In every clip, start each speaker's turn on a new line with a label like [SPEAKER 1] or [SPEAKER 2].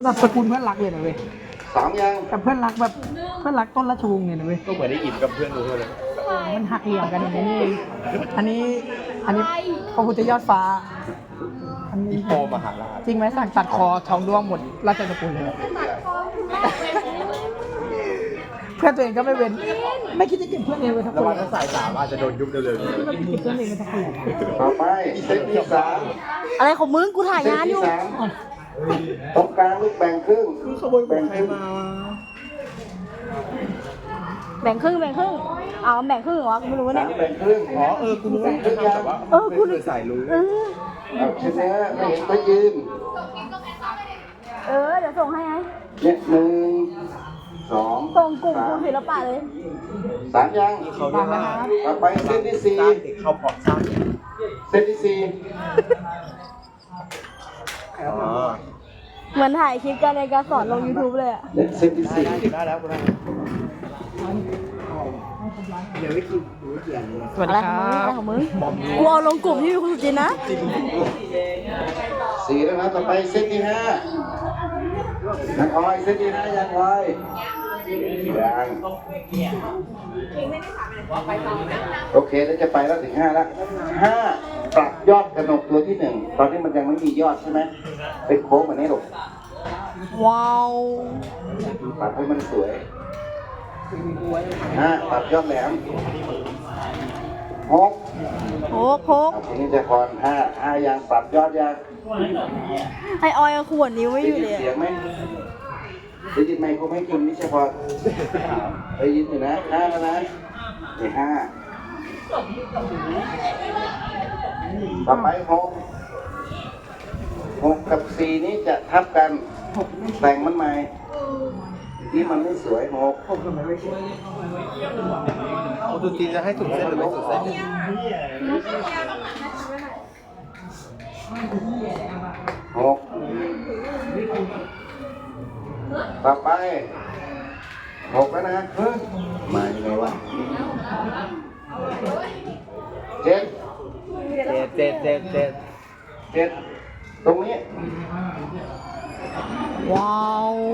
[SPEAKER 1] แบบสกุลเพื่อนรักเลยนะเว้ย
[SPEAKER 2] 2ยัง
[SPEAKER 1] กับเพื่อนรักแบบเพื่อนรักต้นราชวงศ์เนี่ยนะเว้ย
[SPEAKER 3] ก็เหมือนได้อิ่มกับเพื่อนดูเลย
[SPEAKER 1] มันหักเหลี่ยมกันอย่างนี้เองอันนี้พระพุทธยอดฟ้าอันนี้
[SPEAKER 3] อีโปมหาราช
[SPEAKER 1] จริงไหมสั่งตัดคอทองด้วงหมดราชสกุลเลยเพื่อนตัวเองก็ไม่เว้นไม่คิดจะเก็บเพื่อนเองไว้ทั้ง
[SPEAKER 3] แล้ว
[SPEAKER 1] ค
[SPEAKER 3] ว่าน ถ้าสายสามอาจจะโดนยุบเร็วๆนี้
[SPEAKER 1] ไม่คิดจะเก็บเพื่อนเองไว้ทั้งคน
[SPEAKER 2] ต่อไปเซตที่
[SPEAKER 4] อะไรของมึงกูถ่าย
[SPEAKER 2] 3เซต
[SPEAKER 4] งานอ
[SPEAKER 2] ที่
[SPEAKER 4] ยู่
[SPEAKER 2] 3ตรงกลางลูกแบ่งครึ่ง
[SPEAKER 1] ขโมยของใครมา
[SPEAKER 4] แบ่งครึ่งเอาแบ่งครึ่งเหรอกูไม่รู้เนี่ย
[SPEAKER 2] 3แบ่งครึ่ง
[SPEAKER 3] อ๋อกูรู้แต่ว่าไม่เคยใส่รู้
[SPEAKER 2] เอาชนะไม่เห็นก็ยืน
[SPEAKER 4] เดี๋ยวส่งให้ไง
[SPEAKER 2] เนี่ย1 2
[SPEAKER 4] ส่งกลุ่มคุณศิลปะเลย
[SPEAKER 2] 3ยัง
[SPEAKER 3] เขาเรียกว่า
[SPEAKER 2] ต่อไปเซตที่
[SPEAKER 3] สร้างเด็กเข้าเพาะสร้าง
[SPEAKER 2] 4เซตที่
[SPEAKER 3] อ๋อ
[SPEAKER 4] เหมือนถ่ายคลิปกันในการสอนลง YouTube เลยอะ
[SPEAKER 2] 4เนี่ยเซตที่
[SPEAKER 3] ได้แล้วกูได้
[SPEAKER 1] สวัส
[SPEAKER 4] อะไร
[SPEAKER 1] ดีค
[SPEAKER 4] ของ
[SPEAKER 1] รั
[SPEAKER 4] มึง
[SPEAKER 1] บ
[SPEAKER 4] อะไรของมึงกูเอาลงกลุ่มที่มีคุณสุจินนะ
[SPEAKER 2] 4แล้วนะต่อไปเซตที่5ยังออยเซตที่5ยังออยยังโอเคแล้วจะไปแล้วถึง5แล้ว5ปรับยอดกระหนกตัวที่1ตอนนี้มันยังไม่มียอดใช่ไหมเป็นโค้งแบบนี้หรอก
[SPEAKER 4] ว้าว
[SPEAKER 2] ปรับให้มันสวยปรับยอดแหลม6
[SPEAKER 4] โคก
[SPEAKER 2] เอาทีนี้จะพร5ยังปรับยอดยัง
[SPEAKER 4] ให้ออยเอาขวดนิ้วไม่
[SPEAKER 2] ได้
[SPEAKER 4] อยู่
[SPEAKER 2] ยิน
[SPEAKER 4] เลย
[SPEAKER 2] เสียงไหมได้ยินไหมคุณให้คุณนิชพรได้ยินอยู่นะ5แล้วนะนี่5ต่อไป6กับ4นี้จะทับกันแต่งมันใหม่นี่มันไม่สวย6
[SPEAKER 3] เอาตัวตีนจะให้สุดเส้นหรือไม่สุดเส้น
[SPEAKER 2] 6ต่อไป6แล้วนะมายังไงวะ7
[SPEAKER 3] เจ็ด
[SPEAKER 2] ตรงนี้
[SPEAKER 4] ว้าว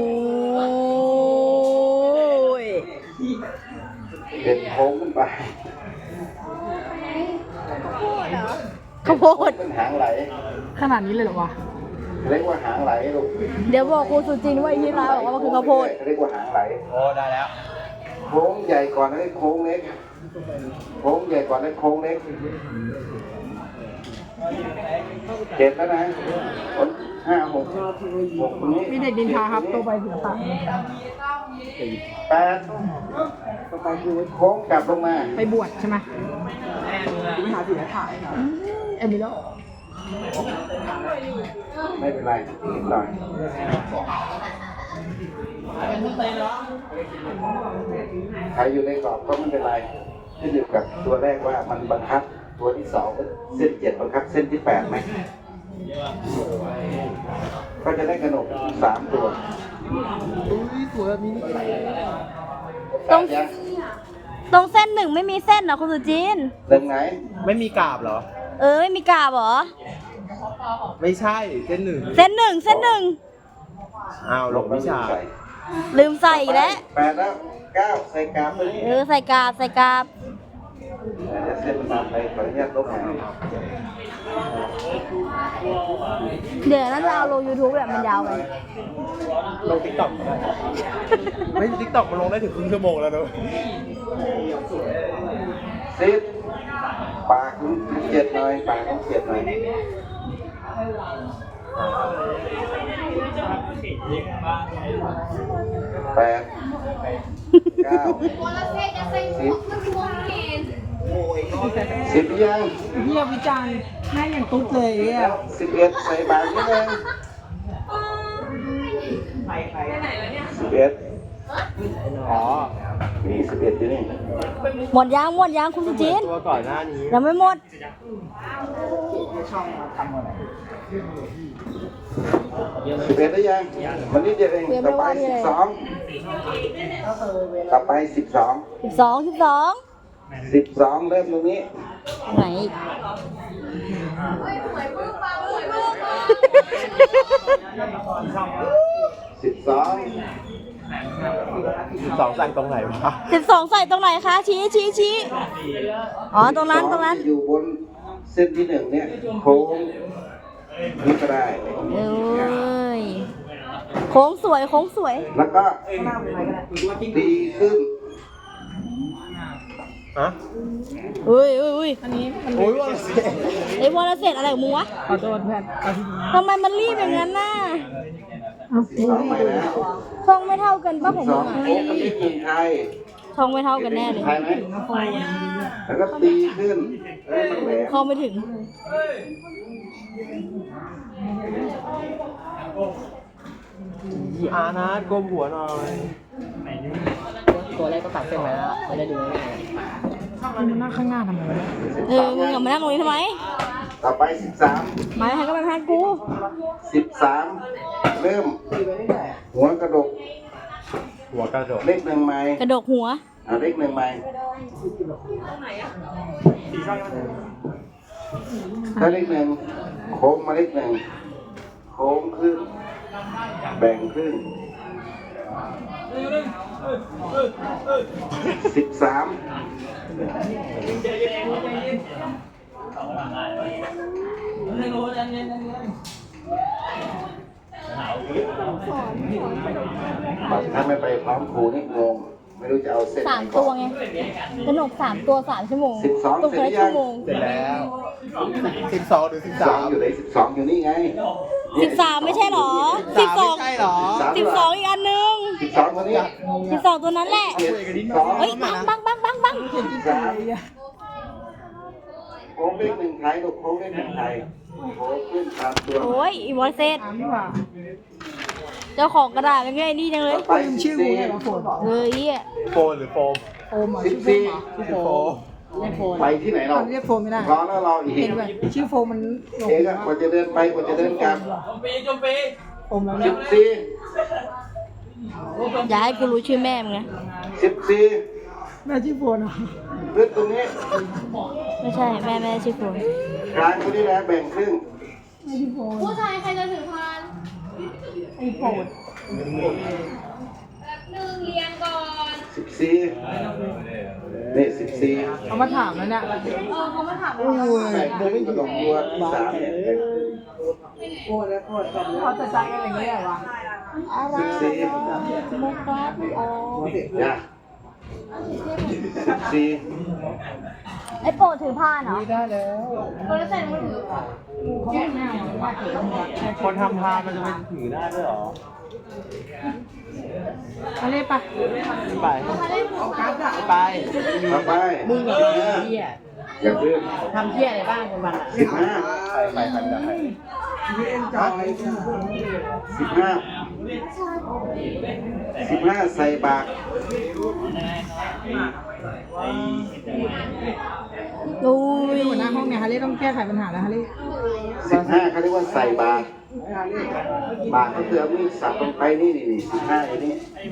[SPEAKER 2] เป็นโค้งขึ้นไป
[SPEAKER 4] ข้าวโพด
[SPEAKER 2] เป็นหางไหล
[SPEAKER 1] ขนาดนี้เลยเหรอวะ
[SPEAKER 2] เรียกว่าหางไหลลูก
[SPEAKER 4] เดี๋ยวบอกครูสุจินว่าอีที่ร้านบอกว่ามันคือข้าวโพด
[SPEAKER 2] เรียกว่าหางไหล
[SPEAKER 3] โอ้ได้แล้ว
[SPEAKER 2] โค้งใหญ่ก่อนแล้วโค้งเล็กโค้งใหญ่ก่อนแล้วโค้งเล็ก7แล้วนะ5 6ตรงนี้
[SPEAKER 1] มีเด็กดินทาครับโตไปศิลปะ
[SPEAKER 2] 8โค้งกลับลงมา
[SPEAKER 1] ไปบวชใช่ไหมไปหาศิลปะเอมิโล
[SPEAKER 2] ไม่เป็นไรนิดหน่อยใครอยู่ในกรอบก็ไม่เป็นไรขึ้นอยู่กับตัวแรกว่ามันบังคับตัวที่2เส้น7บังคับเส้นที่8ไหมก็จะได้กระหนก3ตัว
[SPEAKER 1] สวยแบบนี้
[SPEAKER 4] ตรง
[SPEAKER 2] ยัง
[SPEAKER 4] ตรงเส้น1ไม่มีเส้นเหรอคุณสุจิน
[SPEAKER 2] หนึ่งไหน
[SPEAKER 3] ไม่มีกาบเหรอ
[SPEAKER 4] ไม่มีกาบเหรอ
[SPEAKER 3] ไม่ใช่เส้นหนึ่ง
[SPEAKER 4] เส้นหนึ่ง
[SPEAKER 3] อ้าวหลงวิชา
[SPEAKER 4] ลืมใส่อีกแล้ว
[SPEAKER 2] 8แล้ว9ใส่กราฟเลย
[SPEAKER 4] ใส่กาบ
[SPEAKER 2] เดี๋ยวเส้นมันมาไปขออนุญาตลบหาง
[SPEAKER 4] เดี๋ยวน่าจะเอาลง YouTube แบบมันยาวไป
[SPEAKER 3] ลงทิกตอกไม่ทิกตอกมันลงได้ถึงครึ่งชั่วโมงแล้วนะ
[SPEAKER 2] 10ปากของ7หน่อยปากของ7หน่อย8 9 10 10ยัง
[SPEAKER 1] เฮียวิจารณ์แม่งอย่างตุ๊ดเลยเฮีย
[SPEAKER 2] 11ใส่บาทนิดนึง11
[SPEAKER 3] อ๋อ
[SPEAKER 2] นี่11อยู่นี่
[SPEAKER 4] หมดยางคุณสุจิน
[SPEAKER 3] ตัวก่อนหน้านี้
[SPEAKER 4] ยังไม่หมด
[SPEAKER 2] 11ได้ยังวันนี้เดี๋ยวเองต่อไป12ต่อไป12
[SPEAKER 4] 12
[SPEAKER 2] 12เริ่มตรงนี้
[SPEAKER 4] ไหนอีก
[SPEAKER 2] 12 12
[SPEAKER 3] 12สั่งตรงไหนวะ
[SPEAKER 4] 12ใส่ตรงไหนคะ ชี้อ๋อ ตรงนั้น
[SPEAKER 2] ที่อยู่บนเส้นที่ 1 เนี่ยโค้งนี่ก็ได้
[SPEAKER 4] เอ้ย โค้งสวย
[SPEAKER 2] แล้วก็ดีขึ้น
[SPEAKER 3] ฮะ
[SPEAKER 4] อุ้ย
[SPEAKER 1] อันนี้มัน
[SPEAKER 3] โอ้ยว่าเสีย
[SPEAKER 4] ไอ้วอลเสร็จอะไรของมึงวะ
[SPEAKER 1] ขอโทษเพื่อนเอาที่นี่
[SPEAKER 4] ทำไมมันรีบอย่างนั้นน่ะ
[SPEAKER 2] 12ใหม่แล้ว
[SPEAKER 4] ช่องไม่เท่ากันป่ะผม
[SPEAKER 2] 12
[SPEAKER 4] อ่ะ
[SPEAKER 2] โค้งกับเลขหนึ่งไทย
[SPEAKER 4] ช่องไม่เท่ากันแน่เลย
[SPEAKER 2] ไทยไหมแล้วก็ตีขึ้นให้มันแหลม
[SPEAKER 4] เข้าไม่ถึง
[SPEAKER 3] อานะก้มหัวหน่อย
[SPEAKER 1] ตัวแรกก็ตัดเส้นไปแล้วไม่ได้ดูง่ายมันนั่งข้างหน้าทำไมวะ
[SPEAKER 4] มึงกลับมานั่งตรงนี้ทำไม
[SPEAKER 2] ต่อไป 13
[SPEAKER 4] มาให้ก็มาให้กู
[SPEAKER 2] 13 เริ่ม หัวกระดก
[SPEAKER 3] หัวกระโดด
[SPEAKER 2] เลขหนึ่งไม้
[SPEAKER 4] กระดกหัว
[SPEAKER 2] เลขหนึ่งไม้ถ้าเลขหนึ่งโค้งมาเลขหนึ่งโค้งครึ่งแบ่งครึ่ง13 ถ้าไม่ไปพร้อมครูนี่งง ไม่รู้จะเอาเส้นไหน
[SPEAKER 4] 3
[SPEAKER 2] ก่
[SPEAKER 4] ตั
[SPEAKER 2] อ
[SPEAKER 4] วน ไง กระหนก3 ตัว 3 ชั่วโมง
[SPEAKER 2] 12
[SPEAKER 4] ตก
[SPEAKER 2] เสร็จ
[SPEAKER 4] ละ
[SPEAKER 2] หรือยั
[SPEAKER 4] ชั่
[SPEAKER 2] ง
[SPEAKER 4] วโมง
[SPEAKER 3] เสร็จแล้ว12หรือ
[SPEAKER 2] 12 อยู่ไหน12 อยู่นี่ไงเนี่ย
[SPEAKER 4] 13 ไม่ใช่หรอ
[SPEAKER 3] 13ไม่ใช่หรอ
[SPEAKER 4] 12อีกอันนึง
[SPEAKER 2] 12ตัวนี้
[SPEAKER 4] 12 ตัวนั้นแหละ
[SPEAKER 2] 12
[SPEAKER 4] เฮ้ย บัง
[SPEAKER 2] 13โค้งเลขหนึ่งไทยลูกโค้งเลขหนึ่งไทยโค้งขึ้นตามตัว
[SPEAKER 4] โอ้ยอีวอลเซต
[SPEAKER 1] ถามดีกว่า
[SPEAKER 4] เจ้าของกระดาษเป็นไงนี่จังเลย
[SPEAKER 2] ไป
[SPEAKER 1] ลืมชื่อกูไงวะโฟน
[SPEAKER 4] เฮ้ย
[SPEAKER 3] โฟนหรือโฟม
[SPEAKER 1] โฟมเหรอ
[SPEAKER 2] 14
[SPEAKER 1] ชื่อโฟมเหรอ
[SPEAKER 3] โฟม
[SPEAKER 1] เรียกโฟม
[SPEAKER 2] ไปที่ไหนเรา
[SPEAKER 1] เรียกโฟมไม่ได้
[SPEAKER 2] รอแล้วรออีก
[SPEAKER 1] เห็นด้วยชื่อโฟมมันหลง
[SPEAKER 2] เอกอะกว่าจะเดินไปกว่าจะเดินกลับ
[SPEAKER 1] โฟมแล้วเนี่ย
[SPEAKER 2] 14
[SPEAKER 4] อย่าให้กูรู้ชื่อแม่มึงนะ
[SPEAKER 2] 14
[SPEAKER 1] แม่ชื่อโฟนเหรอ
[SPEAKER 2] ลึกตรงนี้
[SPEAKER 4] ไม่ใช่แม่ชื่อโฟน
[SPEAKER 2] กลางตัวนี้นะแบ่งครึ่ง
[SPEAKER 1] แม่ชื่อโฟน
[SPEAKER 5] ผู้ชายใครจะถือพาน
[SPEAKER 1] ไอ้โฟน
[SPEAKER 5] แบบหนึ่งเรียงก่อน
[SPEAKER 2] 14นี่14
[SPEAKER 1] เอามาถามแล้วเนี่ย
[SPEAKER 5] เขามาถาม
[SPEAKER 2] แบ่งครึ่งกระดกตัว3เนี่ยแบ่งครึ่ง
[SPEAKER 1] เขาจะใจกันอย่างนี้เหรอวะ
[SPEAKER 2] 14
[SPEAKER 4] มุกครับโอ้
[SPEAKER 2] อย่า14
[SPEAKER 4] ไอ้โปรดถือผ้าเหรอ
[SPEAKER 1] ได้แล้ว
[SPEAKER 5] คนละใส่มือถือ
[SPEAKER 1] เขาไม่เอาว่าเกิดอะไร
[SPEAKER 3] คนทำพานมันจะไปถือได้ด้วยเหรอ
[SPEAKER 1] อะไรปะ
[SPEAKER 3] ไป
[SPEAKER 1] กัดอะ
[SPEAKER 3] ไป
[SPEAKER 2] ต่อไป
[SPEAKER 1] มึงกับเหี้ย
[SPEAKER 2] อย่าเพิ่ง
[SPEAKER 1] ทำเหี้ยอะไรบ้างกันวันอะ
[SPEAKER 2] 15
[SPEAKER 3] ไปกันได้
[SPEAKER 2] 15ใส่บาตร
[SPEAKER 4] อุ้ย
[SPEAKER 1] หัวหน้าห้องเนี่ยฮาเล่ต้องแก้ไขปัญหาแล้วฮาเล่
[SPEAKER 2] 15เขาเรียกว่าใส่บาตรบาตรก็คือเอามีดสับลงไปนี่15อย่างนี้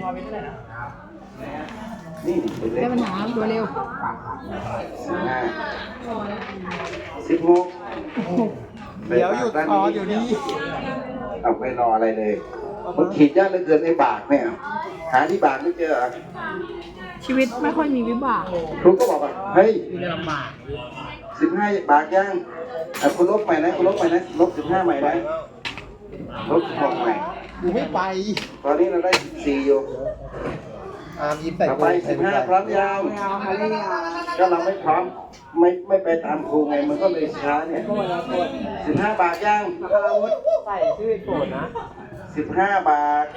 [SPEAKER 2] นี่เป็นเล
[SPEAKER 1] แก้
[SPEAKER 2] ข
[SPEAKER 1] ปัญหาตัวเร็ว
[SPEAKER 2] 15 16
[SPEAKER 3] เดี๋ยวหยุดคอเดี๋ยวนี้
[SPEAKER 2] เอาไปรออะไรเลยมันขีดยากเหลือเกินในบากเนี่ยหาที่บากไม่เจอเหรอ
[SPEAKER 1] ชีวิตไม่ค่อยมีวิบาก
[SPEAKER 2] ครูก็บอกว่าเฮ้ย
[SPEAKER 1] จะลำบาก
[SPEAKER 2] 15บากยังคุณลบใหม่นะคุณลบใหม่นะลบ15ใหม่นะลบ16ใหม่
[SPEAKER 3] กูไม่ไป
[SPEAKER 2] ตอนนี้เราได้14อยู่
[SPEAKER 3] อาร์มยิ้มใส่
[SPEAKER 2] ต่อไป15พร้อมยาว
[SPEAKER 1] ไม่เอาฮาเล่เอา
[SPEAKER 2] ก็เราไม่พร้อมไม่ไปตามครูไงมันก็เลยช้าเนี่ย15บาทยัง
[SPEAKER 3] ใส่ชื่อโกรธนะ
[SPEAKER 2] 15บาท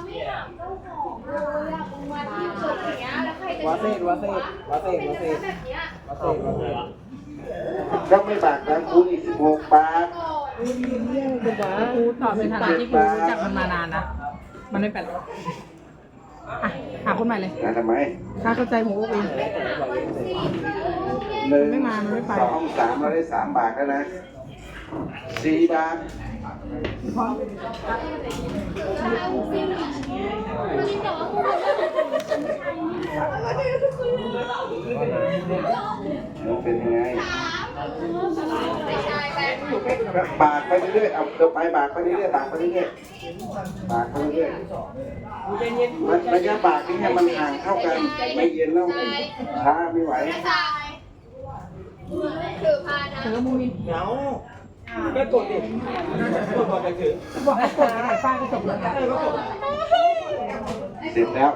[SPEAKER 5] มาที่สุดอย่างเงี้ยแล้วใครจะ
[SPEAKER 3] วาเซ่วาเซ่วาเซ่วาเซ่
[SPEAKER 5] แบบเนี้ยว
[SPEAKER 3] าเซ่วาเซ่
[SPEAKER 2] ก็ไม่บาทตามครูอีก16บาท
[SPEAKER 1] กูตอบในฐานะที่กูรู้จักมันมานานนะ มันไม่เป็นอ่ะหาคนใหม่เลย
[SPEAKER 2] นะทำไม
[SPEAKER 1] ถ้าเข้าใจผมก็เอง
[SPEAKER 2] 1
[SPEAKER 1] ไม่มามันไม่ไป
[SPEAKER 2] 2 3เราได้3บาทแล้วนะ4บาทมันเป็นยังไง
[SPEAKER 5] ไม่ใช่แบบ
[SPEAKER 2] บากไปเรื่อยๆเอาเดินไปบากไปเรื่อยๆบากไปเรื่อยๆบากไปเรื่อยๆระยะบากนี่ให้มันห่างเท่ากันไม่เย็นแล้วช้าไม่ไหว
[SPEAKER 5] ไม่ใช่คือพานะ
[SPEAKER 1] เธอมูมิน
[SPEAKER 3] เหงาก็กดดิกดก่อนจะถือ
[SPEAKER 1] บอกให้กดถ่ายป้ายก็จบแล้ว
[SPEAKER 2] เสร็จแล้ว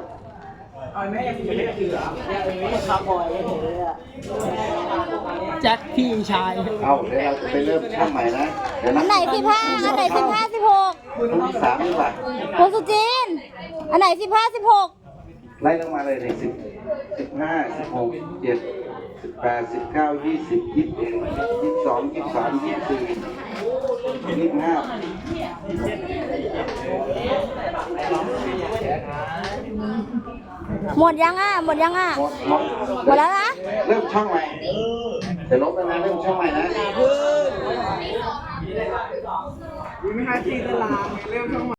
[SPEAKER 1] แจ็คพี่ชาย
[SPEAKER 2] เอาเดี๋ยวเราจะไปเริ่มช่างใหม่นะเดี๋ยว
[SPEAKER 4] อั
[SPEAKER 2] นะ
[SPEAKER 4] นไหน15อันไหน15 16
[SPEAKER 2] รุ่นที่3ดีกว่า
[SPEAKER 4] คุณสุจิน อันไหน15 16
[SPEAKER 2] ไล่ลงมาเลยใน15 16 7 18 19 20 21 22 23 24
[SPEAKER 4] หมดยังอ่ะ หมดยังอ่ะ
[SPEAKER 2] หมด
[SPEAKER 4] หมดแล้วนะ
[SPEAKER 2] เริ่มช่องใหม่เดี๋ยวลบแล้วนะเริ่มช่องใหม่นะ
[SPEAKER 3] ไม่ให้ตีตารางเรื่องช่อง